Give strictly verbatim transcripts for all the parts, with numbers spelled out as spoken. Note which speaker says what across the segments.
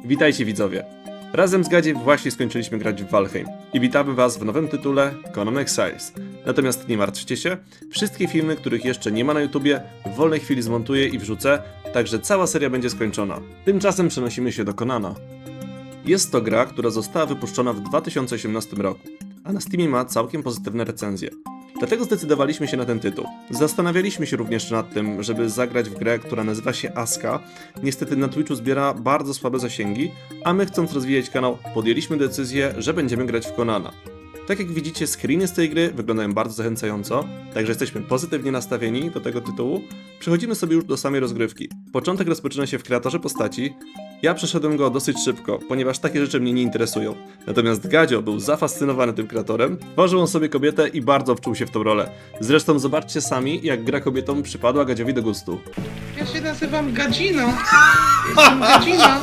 Speaker 1: Witajcie widzowie! Razem z Gadziem właśnie skończyliśmy grać w Valheim i witamy was w nowym tytule Conan Exiles. Natomiast nie martwcie się, wszystkie filmy, których jeszcze nie ma na YouTubie, w wolnej chwili zmontuję i wrzucę, także cała seria będzie skończona. Tymczasem przenosimy się do Conana. Jest to gra, która została wypuszczona w dwa tysiące osiemnastym roku, a na Steamie ma całkiem pozytywne recenzje. Dlatego zdecydowaliśmy się na ten tytuł. Zastanawialiśmy się również nad tym, żeby zagrać w grę, która nazywa się Aska. Niestety na Twitchu zbiera bardzo słabe zasięgi, a my, chcąc rozwijać kanał, podjęliśmy decyzję, że będziemy grać w Conana. Tak jak widzicie, screeny z tej gry wyglądają bardzo zachęcająco, także jesteśmy pozytywnie nastawieni do tego tytułu. Przechodzimy sobie już do samej rozgrywki. Początek rozpoczyna się w kreatorze postaci. Ja przeszedłem go dosyć szybko, ponieważ takie rzeczy mnie nie interesują. Natomiast Gadzio był zafascynowany tym kreatorem, tworzył on sobie kobietę i bardzo wczuł się w tą rolę. Zresztą zobaczcie sami, jak gra kobietą przypadła Gadziowi do gustu.
Speaker 2: Ja się nazywam Gadzino. Jestem Gadzina.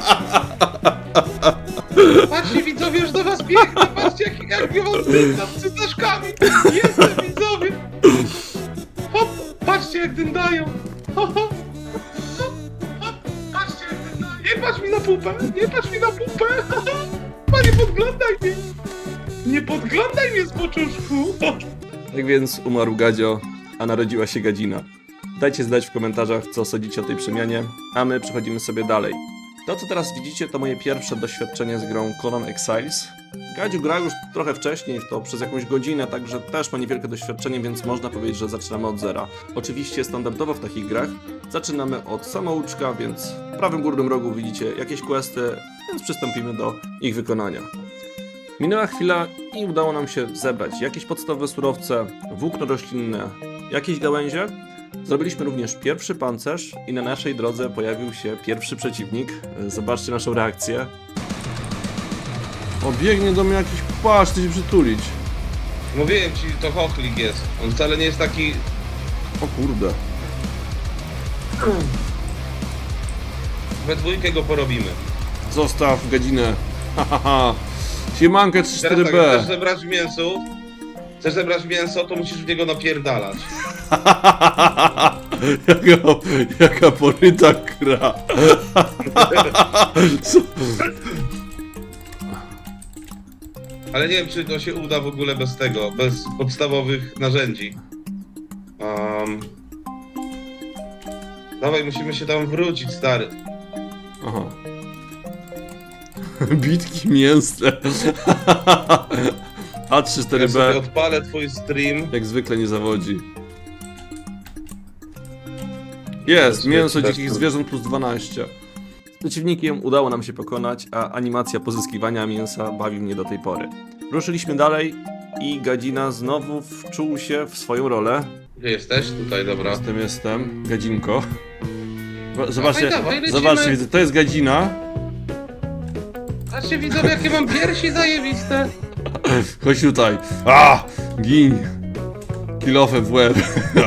Speaker 2: Patrzcie widzowie, już do was biegnę. Patrzcie jak, jak ja wam zdycham z cytaczkami. Jestem widzowie. Hop, patrzcie jak dyndają. Hop, hop, hop, hop, patrzcie jak dyndają. Nie patrz mi na pupę, nie patrz mi na pupę. Panie, podglądaj mnie. Nie podglądaj mnie z poczuszku.
Speaker 1: Tak więc umarł Gadzio, a narodziła się Gadzina. Dajcie znać w komentarzach, co sądzicie o tej przemianie, a my przechodzimy sobie dalej. To, co teraz widzicie, to moje pierwsze doświadczenie z grą Conan Exiles. Gadziu grał już trochę wcześniej, w to przez jakąś godzinę, także też ma niewielkie doświadczenie, więc można powiedzieć, że zaczynamy od zera. Oczywiście standardowo w takich grach zaczynamy od samouczka, więc w prawym górnym rogu widzicie jakieś questy, więc przystąpimy do ich wykonania. Minęła chwila i udało nam się zebrać jakieś podstawowe surowce, włókno roślinne, jakieś gałęzie. Zrobiliśmy również pierwszy pancerz i na naszej drodze pojawił się pierwszy przeciwnik. Zobaczcie naszą reakcję. O, biegnie do mnie jakiś płaszcz, chce się przytulić.
Speaker 2: Mówiłem ci, to chochlik jest. On wcale nie jest taki...
Speaker 1: O kurde.
Speaker 2: We dwójkę go porobimy.
Speaker 1: Zostaw Gadzinę. Hahaha. Siemankę trzy
Speaker 2: Teraz
Speaker 1: cztery
Speaker 2: tak,
Speaker 1: B.
Speaker 2: chcesz zebrać mięso? Chcesz zebrać mięso, to musisz w niego napierdalać.
Speaker 1: jaka, jaka poryta kra. Co?
Speaker 2: Ale nie wiem, czy to się uda w ogóle bez tego, bez podstawowych narzędzi. Um... Dawaj, musimy się tam wrócić, stary.
Speaker 1: Aha. Bitki mięsne. A trzy cztery
Speaker 2: Ja sobie
Speaker 1: B
Speaker 2: odpalę twój stream.
Speaker 1: jak zwykle nie zawodzi. Jest, mięso dzikich zwierząt plus dwanaście. Z przeciwnikiem udało nam się pokonać, a animacja pozyskiwania mięsa bawi mnie do tej pory. Ruszyliśmy dalej i Gadzina znowu wczuł się w swoją rolę.
Speaker 2: Gdzie jesteś? Tutaj, dobra.
Speaker 1: Jestem, jestem. Gadzinko. Zobaczcie,
Speaker 2: Dawaj, dawaj, lecimy.
Speaker 1: zobaczcie, widzę, to jest Gadzina.
Speaker 2: Patrzcie widzowie, jakie mam piersi zajebiste.
Speaker 1: Chodź tutaj. A! Gin! Kilofę w łeb.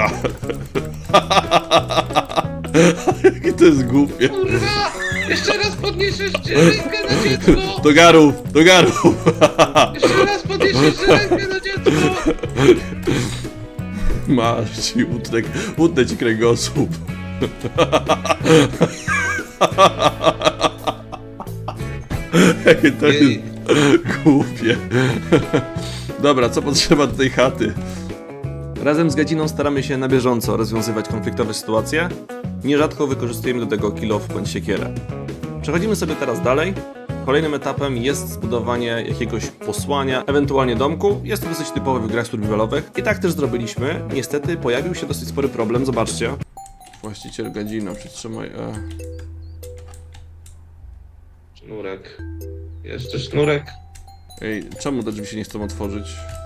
Speaker 1: Jakie to jest głupie.
Speaker 2: Kurwa! Jeszcze raz podniesiesz rękę na dziecko!
Speaker 1: Do garów, do garów.
Speaker 2: Jeszcze raz podniesiesz rękę na dziecko!
Speaker 1: Masz ci, utnę, utnę ci kręgosłup. Jakie to jest
Speaker 2: Jej.
Speaker 1: głupie. Dobra, co potrzeba do tej chaty? Razem z Gadziną staramy się na bieżąco rozwiązywać konfliktowe sytuacje. Nierzadko wykorzystujemy do tego kilof bądź siekierę. Przechodzimy sobie teraz dalej. Kolejnym etapem jest zbudowanie jakiegoś posłania, ewentualnie domku. Jest to dosyć typowe w grach survivalowych. I tak też zrobiliśmy. Niestety pojawił się dosyć spory problem, zobaczcie. Właściciel Gadzina, przytrzymaj E.
Speaker 2: Sznurek. Jeszcze sznurek.
Speaker 1: Ej, czemu te drzwi się nie chcą otworzyć?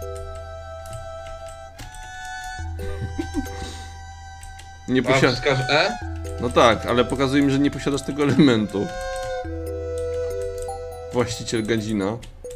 Speaker 1: Nie
Speaker 2: A
Speaker 1: posiadasz.
Speaker 2: wskaż E?
Speaker 1: No tak, ale pokazuje mi, że nie posiadasz tego elementu. Właściciel Gadzina.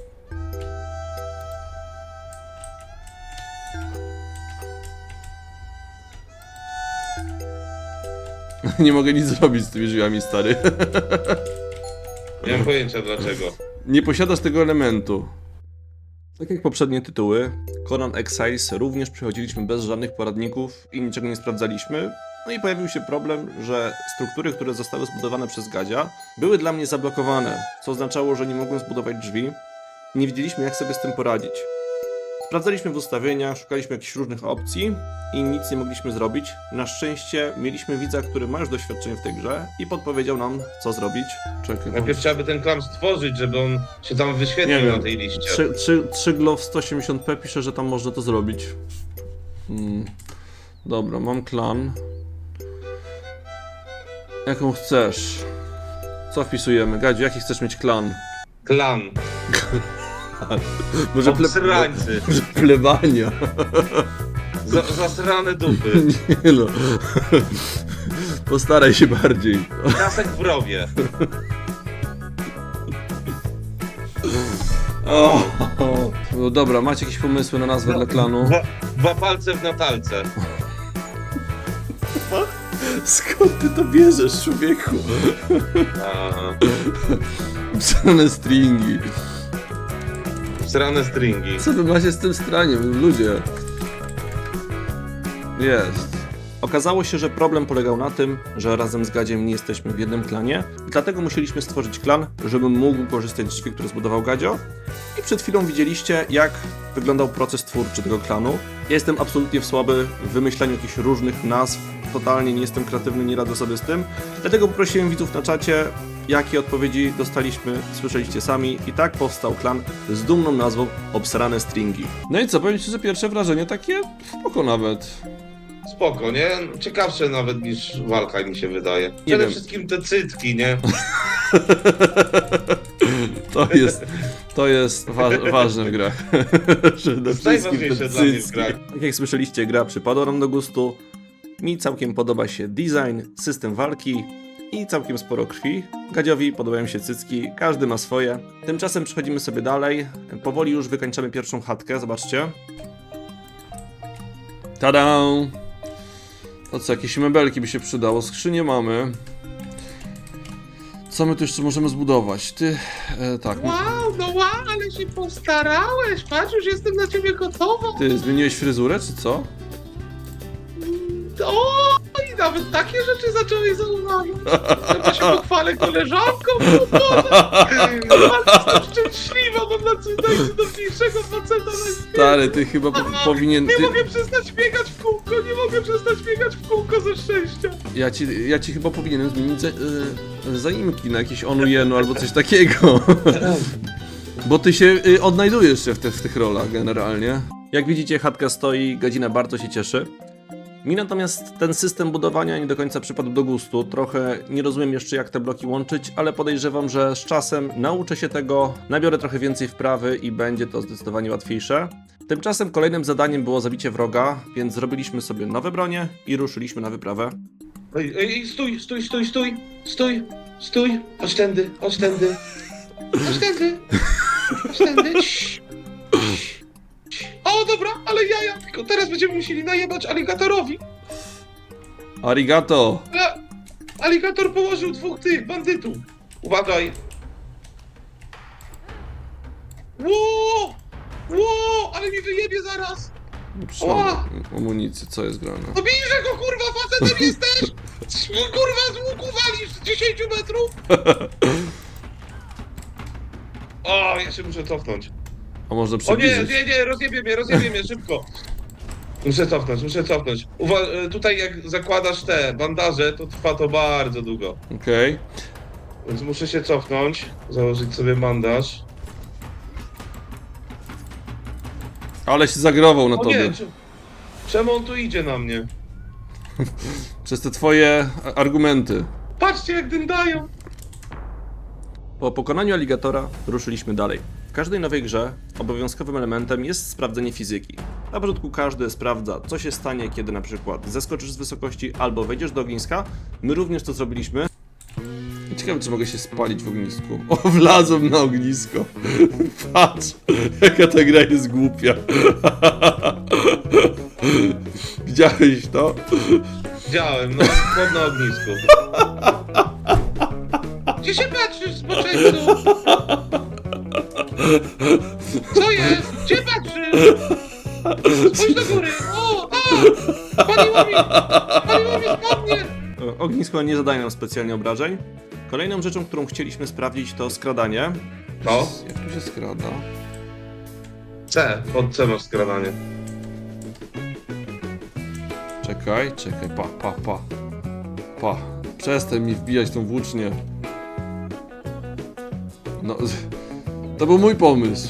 Speaker 1: Nie mogę nic zrobić z tymi drzwiami, stary.
Speaker 2: Nie mam pojęcia dlaczego.
Speaker 1: Nie posiadasz tego elementu. Tak jak poprzednie tytuły, Conan Exiles również przechodziliśmy bez żadnych poradników i niczego nie sprawdzaliśmy. No i pojawił się problem, że struktury, które zostały zbudowane przez Gadzia, były dla mnie zablokowane, co oznaczało, że nie mogłem zbudować drzwi. Nie wiedzieliśmy, jak sobie z tym poradzić. Sprawdzaliśmy w ustawieniach, szukaliśmy jakichś różnych opcji i nic nie mogliśmy zrobić. Na szczęście mieliśmy widza, który ma już doświadczenie w tej grze i podpowiedział nam, co zrobić. Czekaj,
Speaker 2: Najpierw trzeba by ten klan stworzyć, żeby on się tam
Speaker 1: Nie
Speaker 2: wyświetlił
Speaker 1: wiem.
Speaker 2: na tej liście.
Speaker 1: trzy, trzy, trzy glow sto osiemdziesiąt p pisze, że tam można to zrobić. Hmm. Dobra, mam klan. Jaką chcesz? Co wpisujemy? Gadziu, jaki chcesz mieć klan?
Speaker 2: Klan.
Speaker 1: Może, ple...
Speaker 2: Obsrańcy.
Speaker 1: Może plebania?
Speaker 2: Za, zasrane dupy.
Speaker 1: Nie no. Postaraj się bardziej.
Speaker 2: Kasek w rowie.
Speaker 1: O, no dobra, macie jakieś pomysły na nazwę dla klanu?
Speaker 2: Dwa, dwa palce w natalce.
Speaker 1: Skąd ty to bierzesz, człowieku?
Speaker 2: Aha.
Speaker 1: Psane stringi.
Speaker 2: Srane stringi.
Speaker 1: Co wy macie z tym straniem, ludzie? Jest. Okazało się, że problem polegał na tym, że razem z Gadziem nie jesteśmy w jednym klanie, dlatego musieliśmy stworzyć klan, żebym mógł korzystać z drzwi, które zbudował Gadzio. I przed chwilą widzieliście, jak wyglądał proces twórczy tego klanu. Ja jestem absolutnie słaby w wymyślaniu jakichś różnych nazw, totalnie nie jestem kreatywny, nie radzę sobie z tym. Dlatego poprosiłem widzów na czacie, jakie odpowiedzi dostaliśmy, słyszeliście sami i tak powstał klan z dumną nazwą Obsrane Stringi. No i co, powiem ci, że pierwsze wrażenie takie spoko nawet.
Speaker 2: Spoko, nie? Ciekawsze nawet niż walka mi się wydaje. Przede
Speaker 1: wiem.
Speaker 2: wszystkim te cycki, nie?
Speaker 1: To jest, to jest wa ważne w grach. Przede wszystkim
Speaker 2: Najważniejsze
Speaker 1: te
Speaker 2: dla mnie w
Speaker 1: cycki.
Speaker 2: grach.
Speaker 1: Tak jak słyszeliście, gra przypadła nam do gustu. Mi całkiem podoba się design, system walki i całkiem sporo krwi. Gadziowi podobają się cycki, każdy ma swoje. Tymczasem przechodzimy sobie dalej. Powoli już wykończamy pierwszą chatkę, zobaczcie. Tada! To co, jakieś mebelki by się przydało? Skrzynię mamy. Co my tu jeszcze możemy zbudować? Ty, e, tak.
Speaker 2: Wow, no wow, ale się postarałeś. Patrz, już jestem na ciebie gotowa.
Speaker 1: Ty zmieniłeś fryzurę, czy co?
Speaker 2: O, i nawet takie rzeczy zacząłeś zauważyć. Chyba się pochwalę koleżanką, bo Boże. Ale jestem szczęśliwa, mam na najcudowniejszego faceta na świecie.
Speaker 1: Stary, ty chyba po powinien...
Speaker 2: Nie
Speaker 1: Ty...
Speaker 2: mogę przestać biegać w kółko, nie mogę przestać biegać w kółko ze szczęścia.
Speaker 1: Ja ci, ja ci chyba powinienem zmienić za, y, zaimki na jakieś Onujenu albo coś takiego. Bo ty się y, odnajdujesz się w, te, w tych rolach generalnie. Jak widzicie, chatka stoi, Gadzina bardzo się cieszy. Mi natomiast ten system budowania nie do końca przypadł do gustu. Trochę nie rozumiem jeszcze, jak te bloki łączyć, ale podejrzewam, że z czasem nauczę się tego, nabiorę trochę więcej wprawy i będzie to zdecydowanie łatwiejsze. Tymczasem kolejnym zadaniem było zabicie wroga, więc zrobiliśmy sobie nowe bronie i ruszyliśmy na wyprawę.
Speaker 2: Ej, ej, stój, stój, stój, stój, stój, stój, chodź tędy, chodź tędy, chodź tędy, chodź tędy, Cii. O, dobra, ale jaja, tylko teraz będziemy musieli najebać aligatorowi.
Speaker 1: Arigato!
Speaker 2: Ale aligator położył dwóch tych bandytów. Uważaj. Ło, ło, ale mi wyjebie zaraz.
Speaker 1: Trzymam amunicję, co jest grane?
Speaker 2: No bijże go, kurwa, facetem jesteś! Kurwa, z łuku walisz z dziesięciu metrów! O, ja się muszę cofnąć.
Speaker 1: A można
Speaker 2: O nie,
Speaker 1: przybliżyć?
Speaker 2: nie, nie, rozjebie mnie, rozjebie mnie, szybko. Muszę cofnąć, muszę cofnąć. Uwa- tutaj jak zakładasz te bandaże, to trwa to bardzo długo.
Speaker 1: Okej.
Speaker 2: Więc muszę się cofnąć, założyć sobie bandaż.
Speaker 1: Ale się zagrował na
Speaker 2: O
Speaker 1: tobie.
Speaker 2: nie, czy- czemu on tu idzie na mnie?
Speaker 1: Przez te twoje a- argumenty.
Speaker 2: Patrzcie jak dyndają.
Speaker 1: Po pokonaniu aligatora ruszyliśmy dalej. W każdej nowej grze obowiązkowym elementem jest sprawdzenie fizyki. Na początku każdy sprawdza, co się stanie, kiedy na przykład zeskoczysz z wysokości albo wejdziesz do ogniska. My również to zrobiliśmy. Ciekawe, czy mogę się spalić w ognisku. O, wlazłem na ognisko. Patrz, jaka ta gra jest głupia. Widziałeś to?
Speaker 2: Widziałem, no, chłod na ognisku. Gdzie się patrzysz, zboczeńcu? Co jest? Gdzie patrzysz? Spójrz do góry! O, a! Paliło mi! Paliło mi z
Speaker 1: ognisko nie zadaje nam specjalnie obrażeń. Kolejną rzeczą, którą chcieliśmy sprawdzić, to skradanie.
Speaker 2: To?
Speaker 1: Jak tu się skrada?
Speaker 2: C, pod C masz skradanie.
Speaker 1: Czekaj, czekaj, pa, pa, pa. Pa, przestań mi wbijać tą włócznię. No, to był mój pomysł.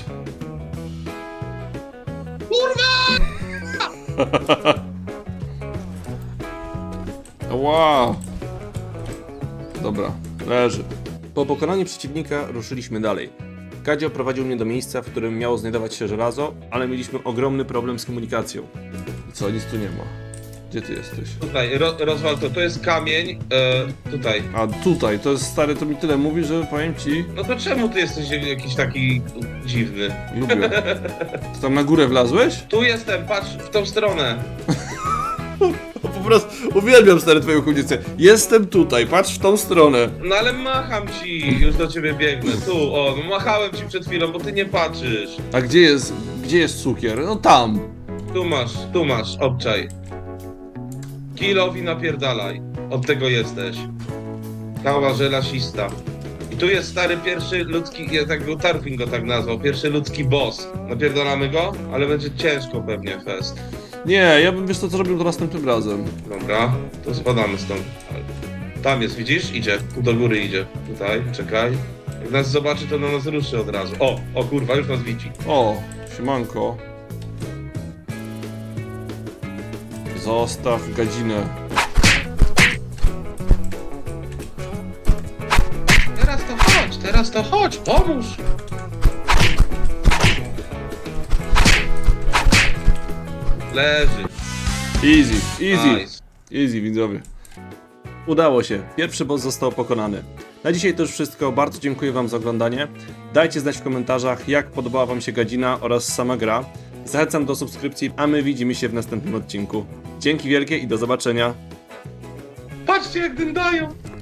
Speaker 2: Kurwa!
Speaker 1: Wow. Dobra, leży. Po pokonaniu przeciwnika ruszyliśmy dalej. Kadzio prowadził mnie do miejsca, w którym miało znajdować się żelazo, ale mieliśmy ogromny problem z komunikacją. I co, nic tu nie ma. Gdzie ty jesteś?
Speaker 2: Tutaj, ro, rozwal to, to jest kamień, e, tutaj.
Speaker 1: A tutaj, to jest stary, to mi tyle mówi, że powiem ci,
Speaker 2: No to czemu ty jesteś jakiś taki dziwny?
Speaker 1: lubię. Ty tam na górę wlazłeś?
Speaker 2: Tu jestem, patrz w tą stronę.
Speaker 1: Po prostu uwielbiam stary twoją chudnicę. Jestem tutaj, patrz w tą stronę.
Speaker 2: No ale macham ci, już do ciebie biegnę. Tu, o, no machałem ci przed chwilą, bo ty nie patrzysz.
Speaker 1: A gdzie jest, gdzie jest cukier? No tam.
Speaker 2: Tu masz, tu masz, obczaj. Kilowi napierdalaj. Od tego jesteś. Kała żelasista. I tu jest stary pierwszy ludzki, ja tak go Tarfin go tak nazwał, pierwszy ludzki boss. Napierdalamy go, ale będzie ciężko pewnie fest.
Speaker 1: Nie, ja bym wiesz co, co robił to następnym razem.
Speaker 2: Dobra, to spadamy stąd. Tam jest, widzisz? Idzie, tu do góry idzie. Tutaj, czekaj. Jak nas zobaczy, to na nas ruszy od razu. O, o kurwa, już nas widzi.
Speaker 1: O, siemanko. Zostaw gadzinę.
Speaker 2: Teraz to chodź, teraz to chodź, pomóż! Leży.
Speaker 1: Easy, easy.
Speaker 2: Nice.
Speaker 1: Easy, widzowie. Udało się. Pierwszy boss został pokonany. Na dzisiaj to już wszystko. Bardzo dziękuję wam za oglądanie. Dajcie znać w komentarzach, jak podobała wam się gadzina oraz sama gra. Zachęcam do subskrypcji, a my widzimy się w następnym odcinku. Dzięki wielkie i do zobaczenia.
Speaker 2: Patrzcie jak dyndają!